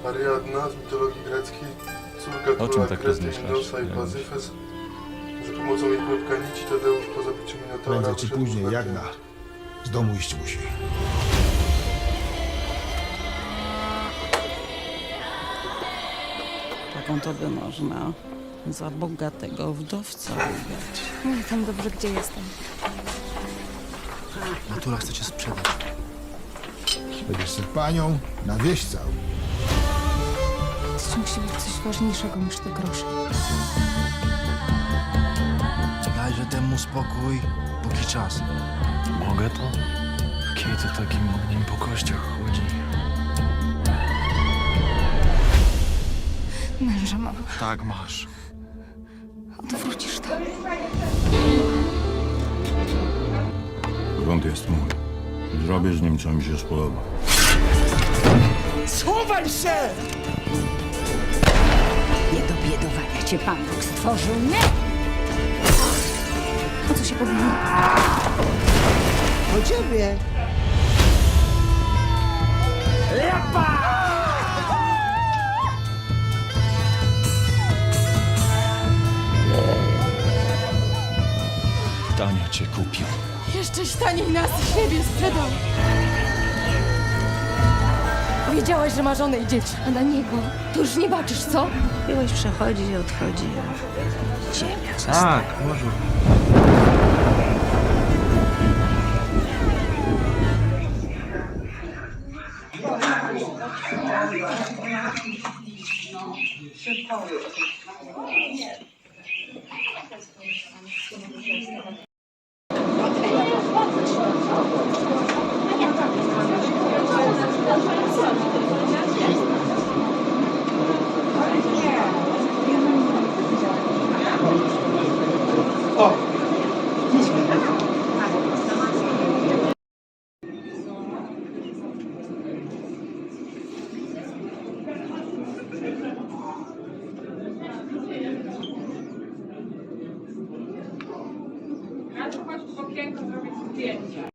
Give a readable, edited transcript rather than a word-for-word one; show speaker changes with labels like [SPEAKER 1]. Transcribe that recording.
[SPEAKER 1] Ariadna z mitologii greckiej, córka
[SPEAKER 2] O czym
[SPEAKER 1] króla
[SPEAKER 2] tak
[SPEAKER 1] Krety,
[SPEAKER 2] rozmyślasz,
[SPEAKER 1] Minosa i
[SPEAKER 2] Janusz?
[SPEAKER 1] Pazyfes. Za pomocą jej krótka nici Tadeusz po zabiciu Minotaura
[SPEAKER 3] Prędzej czy
[SPEAKER 1] wszedł
[SPEAKER 3] później,
[SPEAKER 1] na
[SPEAKER 3] Jagna. Z domu iść musi.
[SPEAKER 4] Taką to by można za bogatego wdowca udać.
[SPEAKER 5] Nie tam dobrze, gdzie jestem.
[SPEAKER 6] Natura chce cię sprzedać.
[SPEAKER 3] Będziesz se panią na wieś całą.
[SPEAKER 5] To musi być coś ważniejszego niż te grosze.
[SPEAKER 6] Dajże temu spokój, póki czas.
[SPEAKER 2] Mogę to? Kiedy takim ogniem po kościach chodzi?
[SPEAKER 5] Męża mam.
[SPEAKER 6] Tak masz.
[SPEAKER 5] Odwrócisz to.
[SPEAKER 7] Grunt jest mój. Zrobię z nim, co mi się spodoba.
[SPEAKER 8] Nie do biedowania cię Pan Bóg stworzył, nie!
[SPEAKER 5] O co się powinno?
[SPEAKER 9] Po ciebie.
[SPEAKER 2] Tania cię kupił.
[SPEAKER 5] Jeszcze taniej nas siebie sprzedał. Wiedziałaś, że ma żonę i dzieci, a na niego to już nie baczysz, co?
[SPEAKER 8] Miłość przechodzi i odchodzi, a ziemia zostaje.
[SPEAKER 6] Tak, może.
[SPEAKER 10] Chodź w okienko zrobić zdjęcia.